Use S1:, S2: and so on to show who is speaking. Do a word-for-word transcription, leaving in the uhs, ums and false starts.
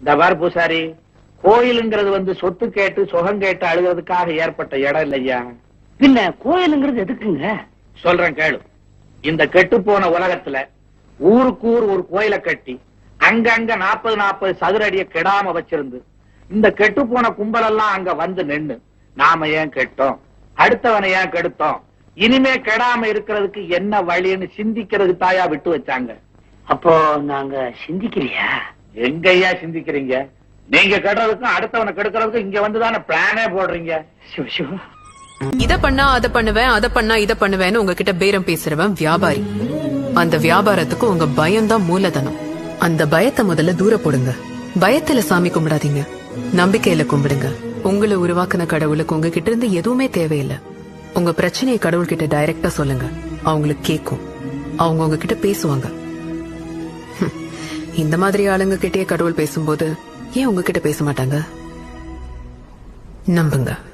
S1: இந்த பார் பூசாரி, கோயிலுங்கிறது வந்து சொத்து கேட்டு சுகம் கேட்டு அழுகிறதுக்காக ஏற்பட்ட இடம் இல்லையா.
S2: பின்ன கோயிலுங்கிறது எதுக்குங்க?
S1: சொல்றேன் கேளு. இந்த கெட்டு போன உலகத்துல ஊருக்கு ஊர் ஒரு கோயிலை கட்டி அங்கங்க நாற்பது நாற்பது சதுர அடிய கெடாம வச்சிருந்து இந்த கெட்டு போன கும்பல் எல்லாம் அங்க வந்து நின்னு நாம ஏன் கெட்டோம், அடுத்தவனை ஏன் கெடுத்தோம், இனிமே கெடாம இருக்கிறதுக்கு என்ன வழின்னு சிந்திக்கிறதுக்கு தாயா விட்டு வச்சாங்க.
S2: அப்போ நாங்க சிந்திக்கலையா?
S1: எங்கய்யா சிந்திக்கிறீங்க? நீங்க கெடுறதுக்கும் அடுத்தவனை கெடுக்கிறதுக்கும் இங்க வந்துதானே பிளானே போடுறீங்க.
S2: சிவ சிவ.
S3: இத பண்ணா அத பண்ணுவேன், அத பண்ணா இத பண்ணுவேன்னு உங்ககிட்ட பேரம் பேசுறவன் வியாபாரி. அந்த வியாபாரத்துக்கு உங்க பயம்தான் மூலதனம். அந்த பயத்தை முதல்ல தூர போடுங்க. பயத்துல சாமி கும்பிடாதீங்க, நம்பிக்கையில கும்பிடுங்க. உங்களை உருவாக்குன கடவுளுக்கு உங்ககிட்ட இருந்து எதுவுமே தேவையில்லை. உங்க பிரச்சனையை கடவுள்கிட்ட டைரக்டா சொல்லுங்க, அவங்களுக்கு கேட்கும், அவங்க உங்ககிட்ட பேசுவாங்க. இந்த மாதிரி ஆளுங்க கிட்டே கடவுள் பேசும்போது ஏன் உங்ககிட்ட பேச மாட்டாங்க? நம்புங்க.